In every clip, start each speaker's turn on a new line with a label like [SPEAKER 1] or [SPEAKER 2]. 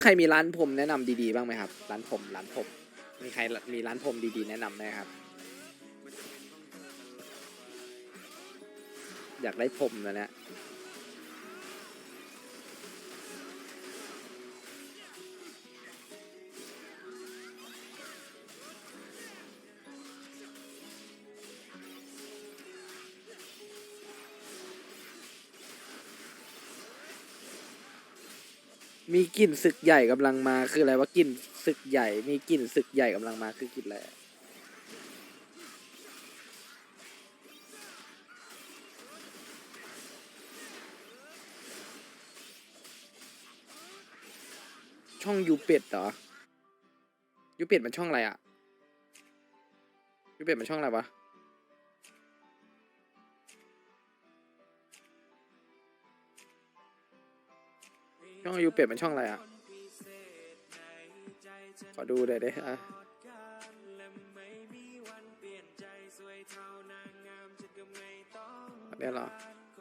[SPEAKER 1] ใครมีร้านผมแนะนำดีๆบ้างไหมครับร้านผมมีใครมีร้านผมดีๆแนะนำไหมครับอยากได้ผมแล้วเนี่ยมีกลิ่นศึกใหญ่กำลังมาคืออะไรวะกลิ่นศึกใหญ่มีกลิ่นศึกใหญ่กำลังมาคือกลิ่นอะไรช่องยูเป็ดเหรอยูเป็ดมันช่องอะไรอ่ะยูเป็ดมันช่องอะไรวะช่องยูเป็ดมันช่องอะไรอ่ะขอดูหน่อยดิอ่ะอันนี้เหรอ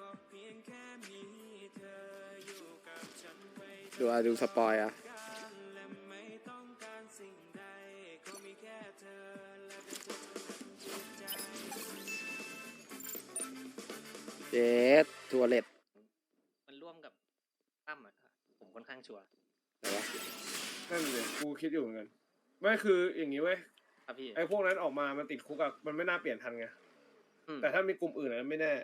[SPEAKER 1] ดูสปอยอ่ะเจ็ดทัวร์เล็ต
[SPEAKER 2] มันร่วมกับตั้มอ่ะผมค่อนข้างชัวร์
[SPEAKER 1] อะไรวะ
[SPEAKER 3] นั่นเลยกูคิดอยู่เหมือนกันไม่คืออย่างนี้เว้ย
[SPEAKER 2] ครับพี่
[SPEAKER 3] ไอ้พวกนั้นออกมามันติดคุกอะมันไม่น่าเปลี่ยนทันไงแต่ถ้ามีกลุ่มอื่นอะไม่แน่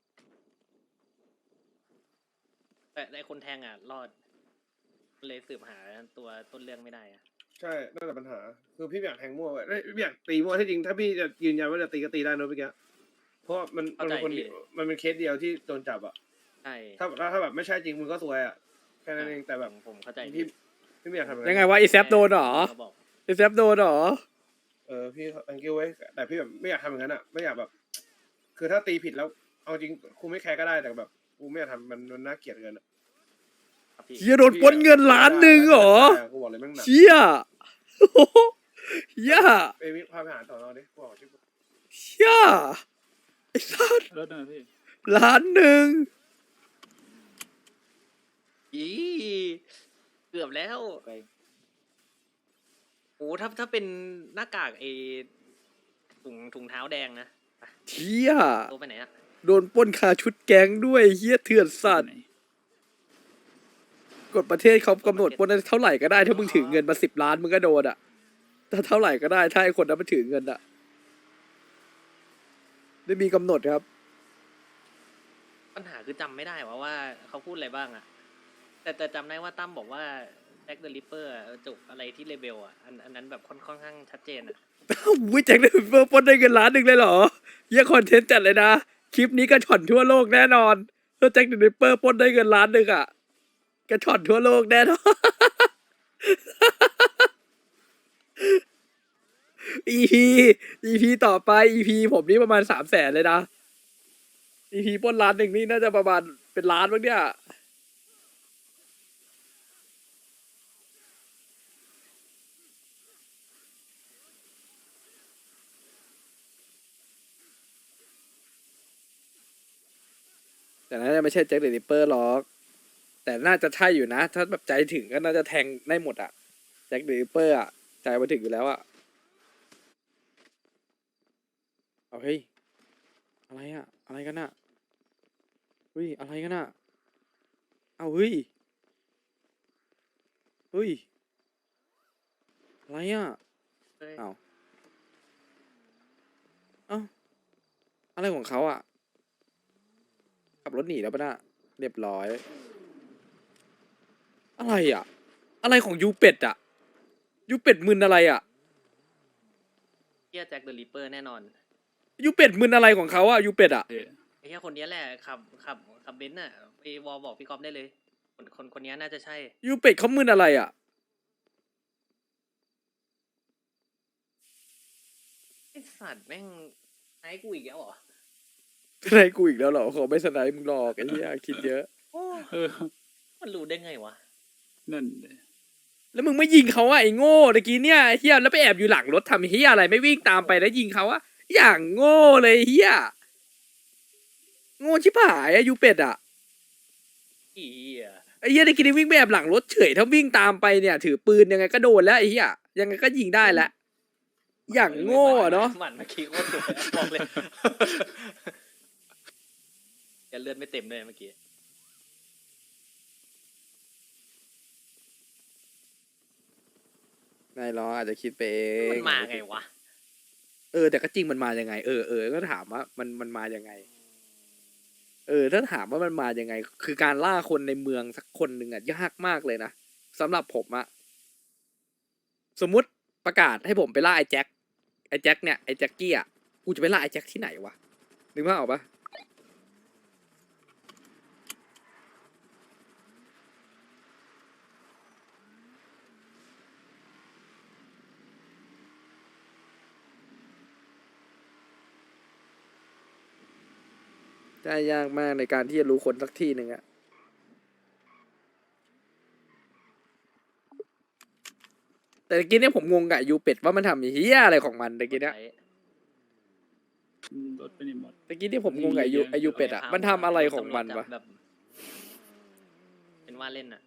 [SPEAKER 2] แต่ไอ้คนแทงอ่ะรอดเลยสืบหาตัวต้นเรื่องไม่ได้อ่ะ
[SPEAKER 3] ใช่นั่นแหละปัญหาคือพี่ไม่อยากแทงมั่วไว้ไม่อยากตีมั่วที่จริงถ้าพี่จะยืนยันว่าจะตีก็ตีได้นะพี่แกเพราะมันเป็นคนมันเป็นเคสเดียวที่โดนจับอะ
[SPEAKER 2] ใช่
[SPEAKER 3] ถ้าแบบไม่ใช่จริงมึงก็ซวยอะแค่นั้นเองแต่แบบ
[SPEAKER 2] ผมเข้าใจ
[SPEAKER 3] พี่ไม่อยากทำอะไร
[SPEAKER 1] ยังไงวะอีแซฟโดนเหรออีแซฟโดนเหรอ
[SPEAKER 3] พี่thank youไว้แต่พี่แบบไม่อยากทำอย่างนั้นอะไม่อยากแบบ คือถ้าตีผิดแล้วเอาจริงกูไม่แคร์ก็ได้แต่แบบกูไม่อยากทำมันน่าเกลียดเกินอะ
[SPEAKER 1] เชี่ยโดนปล้นเงินล้านหนึ่งเหรอ
[SPEAKER 3] กูบอกเลยแม่งหนัก
[SPEAKER 1] เชี่ยเฮีย
[SPEAKER 3] ไปวิพาไปหาต่อนอดิกูบอกชื่อ
[SPEAKER 1] เชี่ยไอ้สัส
[SPEAKER 4] รถนะพี่
[SPEAKER 1] ล้านหนึ่ง
[SPEAKER 2] อีเกือบแล้วโอ้ถ้าเป็นหน้ากากไอ้ถุงเท้าแดงนะ
[SPEAKER 1] เชี่ย
[SPEAKER 2] ตัวไปไหนอ่ะ
[SPEAKER 1] โดนปล้นคาชุดแก๊งด้วยเฮียเถื่อนสัตว์กฎประเทศเขากำหนดปล้นได้เท่าไหร่ก็ได้ถ้ามึงถือเงินมา10 ล้านมึงก็โดนอ่ะถ้าเท่าไหร่ก็ได้ถ้าไอ้คนนั้นมันถือเงินอ่ะไม่มีกำหนดครับ
[SPEAKER 2] ปัญหาคือจำไม่ได้ว่าเขาพูดอะไรบ้างอ่ะแต่จำได้ว่าตั้มบอกว่าแจ็คเดอะริปเปอร์จุกอะไรที่เลเบลอ่ะอันนั้นแบบค่อนข้างชัดเจนอ่ะ
[SPEAKER 1] อุ้ยแจ็คเดอะริปเปอร์ปล้นได้เงินล้านหนึ่งเลยเหรอเฮียคอนเทนต์จัดเลยนะคลิปนี้ก็ช็อตทั่วโลกแน่นอนถ้าแจ็คเดอะริปเปอร์ปล้นได้เงินล้านหนึ่งอ่ะกระชอนทั่วโลกแน่นอน EP EP ต่อไป EP ผมนี่ประมาณ300,000เลยนะ EP ปล้นล้านหนึ่งนี่น่าจะประมาณเป็นล้านบ้างเนี่ยแต่น่าจะไม่ใช่แจ็คเดอะริปเปอร์หรอกแต่น่าจะใช่อยู่นะถ้าแบบใจถึงก็น่าจะแทงได้หมดอะแจ็คเดอะริปเปอร์อะใจมาถึงอยู่แล้วอะเอาเฮ้ยอะไรอะอะไรกันอะเฮ้ยอะไรกันอะเอาเฮ้ยเฮ้ยอะไรอะเอาเอาอะไรของเขาอะขับรถหนีแล้วปะน่ะเรียบร้อยอะไรอะอะไรของยูเป็ดอะยูเป็ดมึนอะไรอะ
[SPEAKER 2] เฮียแจ็คเดอะริปเปอร์แน่นอน
[SPEAKER 1] ยูเป็ดมึนอะไรของเขาอะยูเป็ดอะ
[SPEAKER 2] ไอ้เฮียคนนี้แหละขับเบนซ์น่ะไปวอลบอกพี่ก๊อฟได้เลยคนนี้น่าจะใช่
[SPEAKER 1] ยูเป็ดเขามึนอะไรอะ
[SPEAKER 2] ไอ้สัตว์แม่งไอ้กูอีกแล้วเหรอ
[SPEAKER 1] สไนกูอีกแล้วเหรอขอไม่สไนมึงหรอกไอ้เหี้ยคิดเยอะ
[SPEAKER 2] มันรู้ได้ไงวะ
[SPEAKER 4] นั่น
[SPEAKER 1] แล้วมึงไม่ยิงเขาอะไอ้โง่ตะกี้เนี่ยเฮียแล้วไปแอบอยู่หลังรถทำเฮียอะไรไม่วิ่งตามไปแล้วยิงเขาอะอย่างโง่เลยเฮียโง่ชิบหายอะยูเป็ดอะ
[SPEAKER 2] อี
[SPEAKER 1] ไอ้เหี้ยตะกี้นี่วิ่งไปแอบหลังรถเฉยถ้าวิ่งตามไปเนี่ย ถือปืนยังไงก็โดนแล้วไอ้เหี้ยยังไงก็ยิงได้แล้วอย่างโง่อะเนาะ
[SPEAKER 2] หมันเมื่อกี้โคตรดุบอกเลยอย่าเลือดไม่เต็มเลยเมื่อกี้
[SPEAKER 1] นายล้ออาจจะคิดไปเอง
[SPEAKER 2] มันมาไงวะ
[SPEAKER 1] แต่ก็จริงมันมายังไงก็ถามว่ามันมายังไงถ้าถามว่ามันมายังไง คือการล่าคนในเมืองสักคนหนึ่งอะยากมากเลยนะสำหรับผมอะสมมุติประกาศให้ผมไปล่าไอ้แจ็คเนี่ยไอ้แจ็คกี้อะกูจะไปล่าไอ้แจ็คที่ไหนวะนึกภาพออกปะได้ยากมากในการที่จะรู้คนสักที่หนึ่งอะแต่ตะกี้เนี่ยผมงงกับยูเป็ดว่ามันทำเฮียอะไรของมันตะกี้เนี่ย
[SPEAKER 4] รถไปนี่หมด
[SPEAKER 1] ตะกี้ที่ผมงงกับไอยูเป็ดอ่ะมันทำอะไรของมันวะ
[SPEAKER 2] แบบเป็นว่าเล่นอ่ะ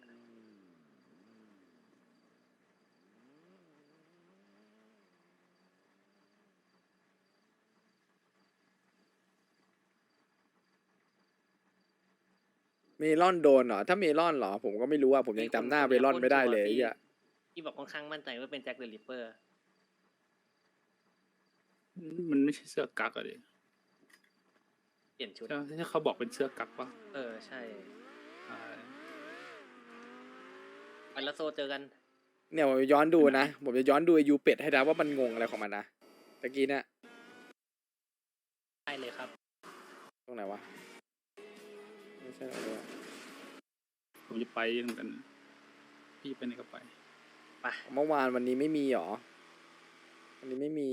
[SPEAKER 1] เมลอนโดนเหรอถ้าเมลอนเหรอผมก็ไม่รู้อ่ะผมยังจำหน้าเมลอนไม่ได้เลยไอ้เหี้ย
[SPEAKER 2] ที่บอกค่อนข้างมั่นใจว่าเป็นแจ็คเดอะริปเปอร์
[SPEAKER 4] มันไม่ใช่เสื้อกั๊กอะดิ
[SPEAKER 2] เปลี่ยนชุด
[SPEAKER 4] ที่เขาบอกเป็นเสื้อกั๊กปะ
[SPEAKER 2] ใช่
[SPEAKER 4] อ่า
[SPEAKER 2] ไปแล้วโซเจอกัน
[SPEAKER 1] เนี่ยผมจะย้อนดูนะผมจะย้อนดูไอยูเป็ดให้นะว่ามันงงอะไรของมันนะตะกี้เนี่ย
[SPEAKER 2] ได้เลยครับ
[SPEAKER 1] ตรงไหนวะไม่ใช่หรอ
[SPEAKER 4] ผมจะไปเหมือนกัน พี่ไปไหนก็ไป
[SPEAKER 2] ไป
[SPEAKER 1] เมื่อวานวันนี้ไม่มีหรอวันนี้ไม่มี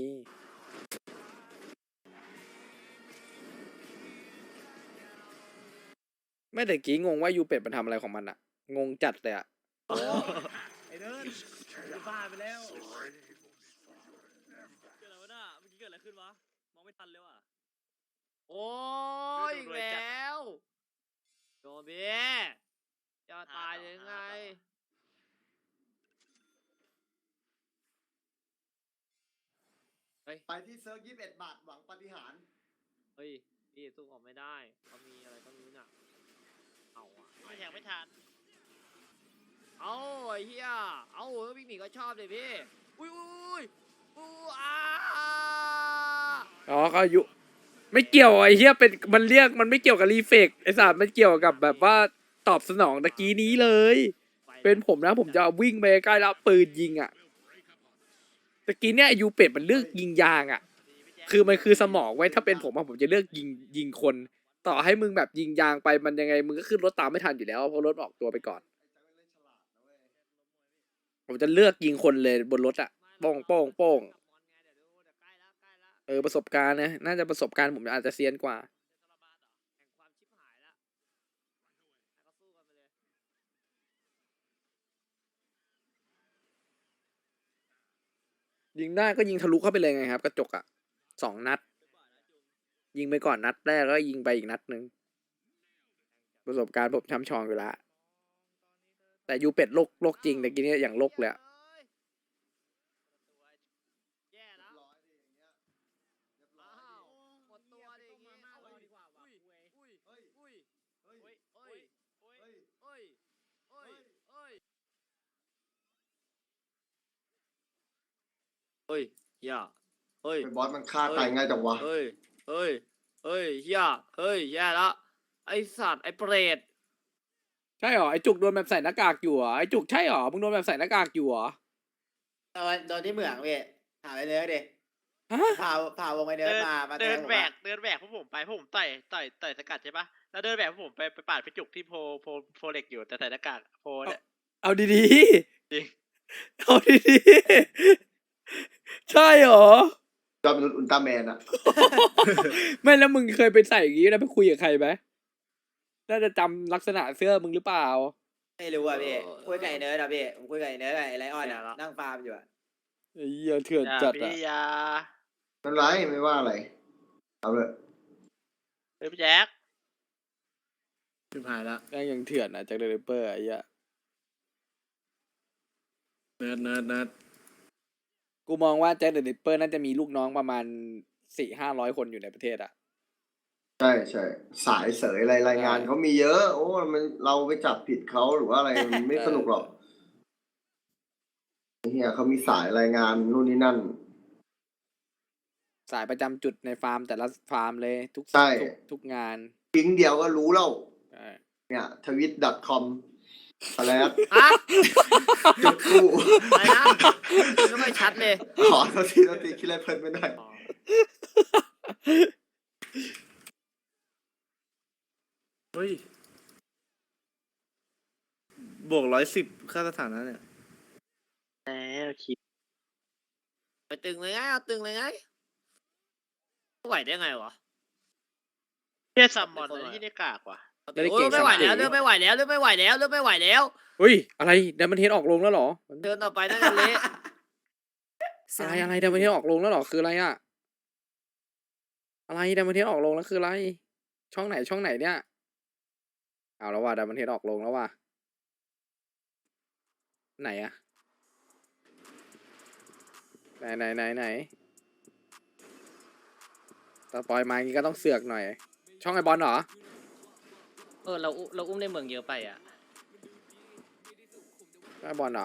[SPEAKER 1] ไม่แต่กี้งงว่ายูเป็ดมันทำอะไรของมันอะงงจัดเลยอะ
[SPEAKER 2] ไอเดินบ้าไปแล้วเกิดอะไรวะน่ะเมื่อกี้เกิดอะไรขึ้นวะมองไม่ทันเลยว่ะโอ้ยอีกแล้วโดนเบี้ยจะตายยังไงเฮ้ย
[SPEAKER 5] ไปที่เซิร์ฟ21 บาทหวังปาฏิหาริย์
[SPEAKER 2] เฮ้ยพี่สู้ออกไม่ได้เขามีอะไรต้องรู้น่ะเอาอ่ะไม่แทงไม่ทันเอาไอ้เหี้ยเอาวิ่งหนีก็ชอบเลยพี่อุ้ยอุ้ยอุ้ยอ้า
[SPEAKER 1] อ๋อเขาอายุไม่เกี่ยวไอ้เหี้ยเป็นมันเรียกมันไม่เกี่ยวกับรีเฟกไอ้สัตว์มันเกี่ยวกับแบบว่าตอบสนองตะกี้นี้เลย เป็นผมนะผมจะเอาวิ่งไปใกล้แล้วปืนยิงอ่ะตะกี้เนี่ยไอ้ยูเป็ดมันเลือกยิงยางอ่ะคือมันคือสมองไว้ถ้าเป็นผมอะผมจะเลือกยิงคน ต่อให้มึงแบบยิงยางไปมันยังไงมึงก็ขึ้นรถตามไม่ทันอยู่แล้วเพราะรถออกตัวไปก่อน ผมจะเลือกยิงคนเลยบนรถอ่ะโป้งโป้งโป้งประสบการณ์นะน่าจะประสบการณ์ผมอาจจะเซียนกว่ายิงได้ก็ยิงทะลุเข้าไปเลยไงครับกระจกอ่ะ2 นัดยิงไปก่อนนัดแรกแล้วยิงไปอีกนัดหนึ่งประสบการณ์ผมช้ำชองอยู่ละแต่ยูเป็ดโลกจริงแต่กี้เนี่ยอย่างโลกเลยอะ
[SPEAKER 2] แย่แล้ว
[SPEAKER 5] ร้อยดิอย่างเงี้ยเรียบร้อย
[SPEAKER 2] อ้าว
[SPEAKER 5] ดิ
[SPEAKER 2] หมดตัวดิอย่างงี้เอาดีกว่าว่ะอุ้ย
[SPEAKER 5] เฮ้ย
[SPEAKER 2] อุ้ย
[SPEAKER 5] เฮ้ย
[SPEAKER 2] เฮ้ยเฮ้ย
[SPEAKER 5] เฮ้ย
[SPEAKER 2] เฮ้ยเฮ้ยเฮ้ยเฮ้ยย่าเฮ้ย
[SPEAKER 5] ไอ้บอสมันฆ่าตายง่ายจังวะ
[SPEAKER 2] เฮ้ยเฮ้ยเฮ้ยย่าเฮ้ยแย่แล้วไอสัตว์ไอเปรต
[SPEAKER 1] ใช่หรอไอจุกโดนแบบใส่หน้ากากอยู่เหรอไอจุกใช่หรอมึงโดนแบบใส่หน้ากากอยู่เหรอ
[SPEAKER 6] โดนที่เหมืองพี่ถามไอ้เนื้อดิ
[SPEAKER 1] ฮะ
[SPEAKER 6] พาวงไอ้เนื้อมา
[SPEAKER 7] เดิน
[SPEAKER 6] ผม
[SPEAKER 7] แบ
[SPEAKER 6] อะ
[SPEAKER 7] กเดินแบกพวกผมไปพวกผมต่อยสกัดใช่ปะแล้วเดินแบกพวกผมไปปาดไปจุกที่โพเล็กอยู่แต่ใส่หน้ากากโพเนี่ย
[SPEAKER 1] เอาดี
[SPEAKER 7] จริง
[SPEAKER 1] ๆเอาดีๆใช่หรอ
[SPEAKER 5] จอมนุษย์อุลตร้าแมนอะ
[SPEAKER 1] ไม่แล้วมึงเคยไปใส่อย่างงี้แล้วไปคุยกับใครไหมน่าจะจำลักษณะเสื้อมึงหรือเปล่า
[SPEAKER 6] ไม่รู้อ่ะพี่คุยกับไอ้เนื้อนะพี่ผมคุยกับไอ้เนื้อกับไอ้ไลออนอะนั่งฟาร์มอยู่อะ
[SPEAKER 1] ไอ้เหี้ยเถื่อน
[SPEAKER 7] อย่า
[SPEAKER 1] จัด
[SPEAKER 7] พี่
[SPEAKER 1] อะ
[SPEAKER 7] อยา
[SPEAKER 5] ไม่เป็นไรไม่ว่าอะไร เอาเลย
[SPEAKER 7] เฮ้ยพี่แจ็ค
[SPEAKER 2] ชิบหายละ
[SPEAKER 1] แม่งยังเถื่อนอะจากเดลิเปอร์ไอ้เหี้ย
[SPEAKER 2] เนิร์ด
[SPEAKER 1] กูมองว่าแจ็คเดลิเปอร์น่าจะมีลูกน้องประมาณ400-500 คนอยู่ในประเทศอะ
[SPEAKER 5] ใช่ใช่สายเสยอะไรรายงานเขามีเยอะ โอ้มันเราไปจับผิดเขาหรือว่าอะไรมันไม่สนุกหรอกเฮียเขามีสายรายงานนู่นนี่นั่น
[SPEAKER 1] สายประจำจุดในฟาร์มแต่ละฟาร์มเลยทุก
[SPEAKER 5] ใช่
[SPEAKER 1] ทุกงาน
[SPEAKER 5] ทิ้งเดียวก็รู้แล้ว
[SPEAKER 1] ใช่
[SPEAKER 5] เนี่ยtwit.com อะไรนะ
[SPEAKER 2] อ่ะ
[SPEAKER 5] จุดคู่
[SPEAKER 2] อะไรนะก็ไม่ชัดเลย
[SPEAKER 5] ขอโทษทีคิดอะไรเพลินไปหน่อย
[SPEAKER 8] เฮ้ย บวก110ค่าสถานะเนี่ย
[SPEAKER 7] แล้วคิด
[SPEAKER 2] ไปตึงเลยไงเอาตึงเลยไงไหวได้ไงวะ
[SPEAKER 7] เฮียซัมมอนเลยที่ได้กากว่ะ
[SPEAKER 1] ไม่ได้
[SPEAKER 2] โอ้
[SPEAKER 1] เก่
[SPEAKER 2] ย
[SPEAKER 1] ง
[SPEAKER 2] ไม่ไหว
[SPEAKER 1] สาม
[SPEAKER 2] แล้ว
[SPEAKER 1] สี
[SPEAKER 2] เริ่มไม่ไหวแล้วเริ่มไม่ไหวแล้วเริ่มไม่ไหวแล้ว
[SPEAKER 1] เฮ้ยอะไรเดมอนเฮดออกลงแล้วเหรอ
[SPEAKER 2] เดินต่อไปน่าจะเละ
[SPEAKER 1] อะไรเดมอนเฮดออกลงแล้วเหรอคืออะไรอะอะไรเดมอนเฮดออกลงแล้วคืออะไร ช่องไหนเนี่ยเอาแล้วว่ะเดมอนเฮดออกลงแล้วว่ะไหนอะไหนตาปอยมาอย่างงี้ก็ต้องเสือกหน่อย ช่องไอบอลเหรอ
[SPEAKER 2] เราอุ้มในเมืองเยอะไปอ่ะ
[SPEAKER 1] ไอบอลเหรอ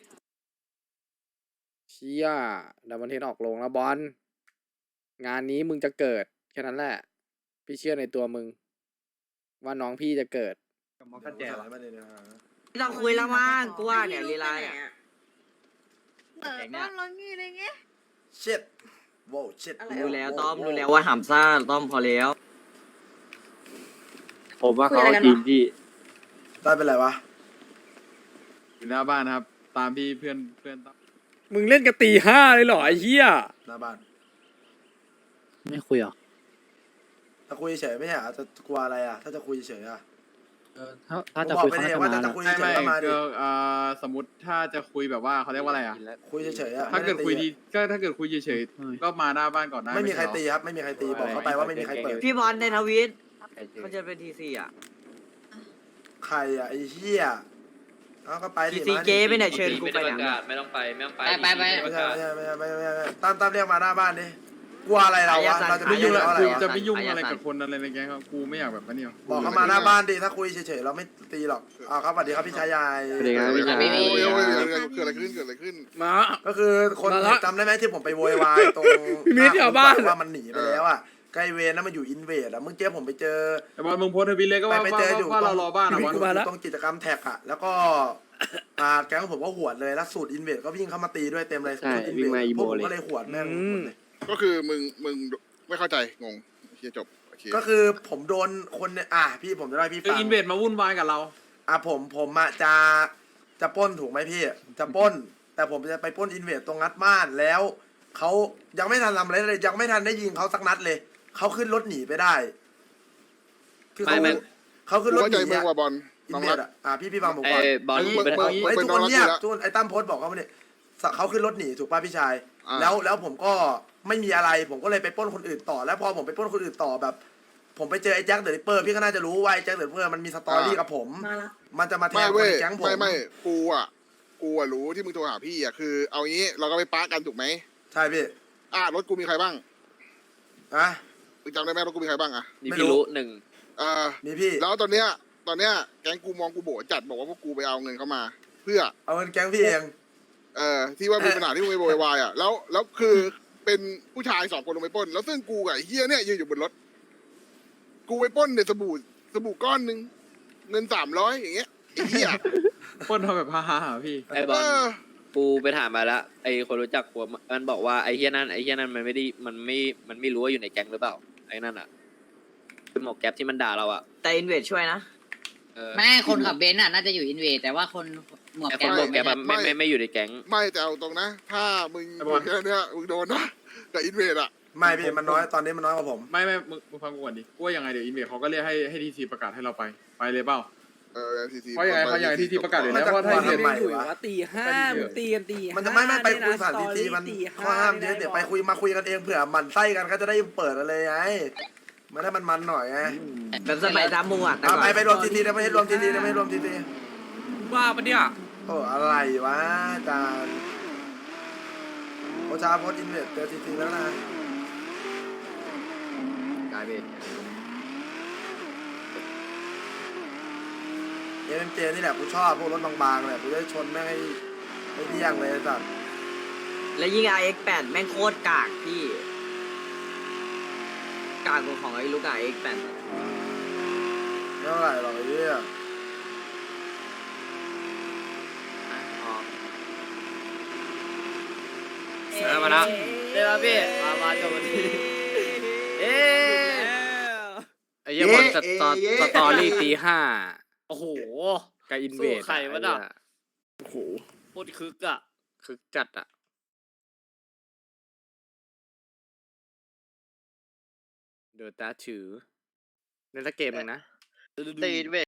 [SPEAKER 1] เชี่ยเดมอนเฮดออกลงแล้วบอลงานนี้มึงจะเกิดแค่นั้นแหละพี่เชื่อในตัวมึงว่าน้องพี่จะเกิด
[SPEAKER 8] ไม่
[SPEAKER 6] ต้องคุยแล้วมั้งกูว่าเนี่ยลีลาเนี่ย
[SPEAKER 8] ชิดโว้ชิด
[SPEAKER 6] รู้แล้วต้อมรู้แล้วว่าหำซ่าต้อมพอแล้ว
[SPEAKER 4] ผมว่าเขาจริงพี่
[SPEAKER 8] ได้เป็นไรวะ
[SPEAKER 4] อยู่หน้าบ้านครับ ตามพี่เพื่อนต้อง
[SPEAKER 1] มึงเล่นกันตีห้าเลยเหรอไอ้เหี้ย
[SPEAKER 8] หน้าบ้าน
[SPEAKER 4] ไม่คุยหรอ
[SPEAKER 8] ถ้าคุยเฉยไม่ใช่เหรอจะกลัวอะไรอ่ะถ้าจะคุยเฉยอ่ะ
[SPEAKER 4] ถ้าจะคุย
[SPEAKER 8] ผมบอกไปเลยว่าจะคุยเฉยๆก็มาดิ
[SPEAKER 4] สมมติถ้าจะคุยแบบว่าเขาเรียกว่าอะไรอ่ะ
[SPEAKER 8] คุยเฉยๆอ่ะ
[SPEAKER 4] ถ้าเกิดคุย
[SPEAKER 8] ไม่ไ
[SPEAKER 4] ดีก็ถ้าเกิดคุยเฉยๆก็มาหน้าบ้านก่อนได้
[SPEAKER 8] ไม่มีใคร
[SPEAKER 4] ใช่
[SPEAKER 8] ตี
[SPEAKER 4] เหอ
[SPEAKER 8] ครับไม่มีใครตีบอกเขาไปว่าไม่มีใครเปิด
[SPEAKER 6] พี่บอลในทวิตเขาจะเป็นทีซีอ่ะ
[SPEAKER 8] ใครอ่ะไอ้เหี้ยเอาก็ไปดิ
[SPEAKER 6] ทีซี
[SPEAKER 8] มาดิ
[SPEAKER 6] เก้ไปไหนเชิญกูไปเนี่ย
[SPEAKER 7] ไม่ต้องไป
[SPEAKER 6] ไป
[SPEAKER 8] ไม่ใช่ตามเรียกมาหน้าบ้านดิกลัวอะไรเราวะเราจะ
[SPEAKER 4] ไม่
[SPEAKER 8] ไม่
[SPEAKER 4] ยุ่
[SPEAKER 8] ยุ่
[SPEAKER 4] ง
[SPEAKER 8] ง
[SPEAKER 4] ละ
[SPEAKER 8] อะไร
[SPEAKER 4] คือ
[SPEAKER 8] วะ
[SPEAKER 4] จะไม่ยุ่งอะไรกับคนอะไรในแก๊งครับกูไม่อยากแบบนี้หรอก
[SPEAKER 8] บอกเขามาหน้าบ้านดิถ้าคุยเฉยๆเราไม่ตีหรอกเอาครับสวัสดีครับพี่ชายใหญ่
[SPEAKER 4] สวัสดีครับพี่ชาย
[SPEAKER 3] เกิดอะไรขึ้น
[SPEAKER 1] มา
[SPEAKER 8] ก็คือคน
[SPEAKER 1] มาละ
[SPEAKER 8] จำได้ไหมที่ผมไปโวยวายตรง
[SPEAKER 1] พี่มิ้นท์แถวบ้าน
[SPEAKER 8] ว่ามันหนีไปแล้วอ่ะใกล้เวรนั้นมันอยู่อินเวดอ่ะเมื่อกี้ผมไปเจอ
[SPEAKER 4] แต่บอลมึงโพสต์ทวิตเลยก็ว่า
[SPEAKER 8] ไปเจออยู่
[SPEAKER 4] ว่าเรารอบ้านอะบอล
[SPEAKER 8] ตรงกิจกรรมแท็กอ่ะแล้วก็แก๊งผมก็หวดเลยแล้วสูตรอินเวดก็วิ่งเข้ามาตีด้วยเต็มเลย
[SPEAKER 4] ใช่
[SPEAKER 8] สูตร
[SPEAKER 4] วิ่งมาอี
[SPEAKER 8] พ
[SPEAKER 4] โม
[SPEAKER 8] วกผม
[SPEAKER 4] เลย
[SPEAKER 8] ก็เลยหวดแม่งหมดเลย
[SPEAKER 3] ก็คือมึงไม่เข้าใจงงเคลียร์จบโอเค
[SPEAKER 8] ก็คือผมโดนคนเนี่ยพี่ผมจะได้พี่
[SPEAKER 4] คือ
[SPEAKER 8] ฟัง
[SPEAKER 4] อินเวดมาวุ่นวายกับเรา
[SPEAKER 8] ผมอะจะปล้นถูกไหมพี่จะปล้น แต่ผมจะไปปล้นอินเวดตรงงัดบ้านแล้วเขายังไม่ทันทำอะไรเลยยังไม่ทันได้ยิงเขาสักนัดเลยเขาขึ้นรถหนีไปได้คือเขาขึ้นรถหนี
[SPEAKER 3] มึงว่าบอล
[SPEAKER 8] อินเวดพี่ฟังผมก่อน
[SPEAKER 7] บอล
[SPEAKER 8] ไอ้ทุกคนเงียบทุกคนไอ้ตั้มโพสต์บอกเขาเนี่ยเขาขึ้นรถหนีถูกป่ะพี่ชาย แล้วผมก็ไม่มีอะไรผมก็เลยไปปล้นคนอื่นต่อ แล้วพอผมไปปล้นคนอื่นต่อแบบ ผมไปเจอไอ้แจ็คเดอะริปเปอร์พี่ก็น่าจะรู้ว่าไอ้แจ็คเดอะริปเปอร์มันมีสตอรี่กับผมมันจะมาแท
[SPEAKER 3] ไม่
[SPEAKER 8] งคน
[SPEAKER 3] เว้ย
[SPEAKER 8] ในแก๊งผม
[SPEAKER 3] ไม่กูอ่ะรู้ที่มึงโทรหาพี่อ่ะคือ เอางี้เราก็ไปปากันถูกไหม
[SPEAKER 8] ใช่พี่
[SPEAKER 3] รถกูมีใครบ้าง
[SPEAKER 8] อะ
[SPEAKER 3] มึงจำได้ไหมรถกูมีใครบ้างอ่ะ
[SPEAKER 7] นี่พี่รู้หนึ่ง
[SPEAKER 3] มี
[SPEAKER 8] พี่
[SPEAKER 3] แล้วตอนเนี้ยแก๊งกูมองกูโบจัดบอกว่าพวกกูไปเอาเงินเข้ามา เพื่อ
[SPEAKER 8] เอาเงินแก๊งพี่เอง
[SPEAKER 3] ที่ว่ามีปัญหาที่มึงไปโวยวายอ่ะแล้วคือเป็นผู้ชาย2 คนลงไปปล้น แล้วซึ่งกูกับไอ้เฮียเนี่ยยืนอยู่บนรถ กูไปปล้นเนี่ยสบู่ก้อนนึงเงิน300อย่างเงี้ยไอ้เฮีย
[SPEAKER 4] ปล้นทำแบบฮ่าๆพี่
[SPEAKER 7] ไอ้บอลกูไปถามมาแล้วไอ้คนรู้จักกูมันบอกว่าไอ้เฮียนั่นมันไม่ได้มันไม่รู้ว่าอยู่ในแก๊งหรือเปล่าไอ้นั่นอ่ะเป็นหมวกแก๊ปที่มันด่าเราอ่ะ
[SPEAKER 6] แต่อินเวดช่วยนะ
[SPEAKER 9] ไม่คนขับเบนซ์น่ะน่าจะอยู่อินเวดแต่ว่าคนหมวก
[SPEAKER 7] ไอ้ค
[SPEAKER 9] แก๊
[SPEAKER 7] น
[SPEAKER 9] ป
[SPEAKER 7] หมวกแก๊ป
[SPEAKER 9] ไม่
[SPEAKER 7] ไม่อยู่ในแก๊ง
[SPEAKER 3] ไม่แต่เอาตรงนะ ถ้ามึงแค่เนี้ยมึงโดนนะกับอินเวดอ่ะ
[SPEAKER 8] ไม่พี่มันน้อยตอนนี้มันน้อยกว่าผม
[SPEAKER 4] ไม่มึงฟังกูก่อนดิกูว่ายังไงเดี๋ยวอินเวดเขาก็เรียกให้ทีซีประกาศให้เราไปเลยเปล่า
[SPEAKER 3] ที
[SPEAKER 4] เพราะยังไงเขาอยากให้ที่ประกาศอยู่แล้ว
[SPEAKER 8] ว่าถ้าอินเวดใหม่
[SPEAKER 1] อยู่
[SPEAKER 8] วะ
[SPEAKER 1] ว่าตีห้ามึงตีกันตีห้า
[SPEAKER 8] มันจะไม่ไปคุยผ่าน
[SPEAKER 1] เยะ
[SPEAKER 8] ทีมัน
[SPEAKER 1] สตรี่ตี
[SPEAKER 8] ข้อห้ามเยอะเดี๋ยวไปคุยกันเองเผื่อหมันไส้กันก็จะได้เปิดอะไรไงมันได้มันหน่อยไง
[SPEAKER 6] แบบสมัยตามมูอ่ะ
[SPEAKER 8] เอาไปรวมทีได้ไม่ให้รวมทีได้ไม่ให้รวมที
[SPEAKER 1] บ้าปะเนี่ย
[SPEAKER 8] โอ้อะไรวะอาจารย์โอชาโพสอินเวสเจอทีแล้วนะ
[SPEAKER 6] กลายเป็น
[SPEAKER 8] เอ็มเจนี่แหละกูชอบพวกรถบางๆเลยกูจะชนแม่งให้เที่ยงเลยสัตว์
[SPEAKER 6] แล้วยิ่ง RX8 แม่งโคตรกากพี่กากกว่าของไอ้ลูก RX8
[SPEAKER 8] เท่าไหร่หรอกไอ้เหี้ย
[SPEAKER 7] มาแล้ว
[SPEAKER 2] เดี๋ยวพี่มาจบวันนี้เอ๊ะ
[SPEAKER 1] ไอ้เหี้ยบอลสตอรี่ตีห้า
[SPEAKER 2] โอ้โห
[SPEAKER 1] กับอินเวด
[SPEAKER 2] สู้ใครวะน่ะ
[SPEAKER 1] โอ้โห
[SPEAKER 2] โคตรคึกอ่ะ
[SPEAKER 1] คึกจัดอ่ะเดอตาถือในละเกมหนึ่งนะ
[SPEAKER 7] ตีนเวท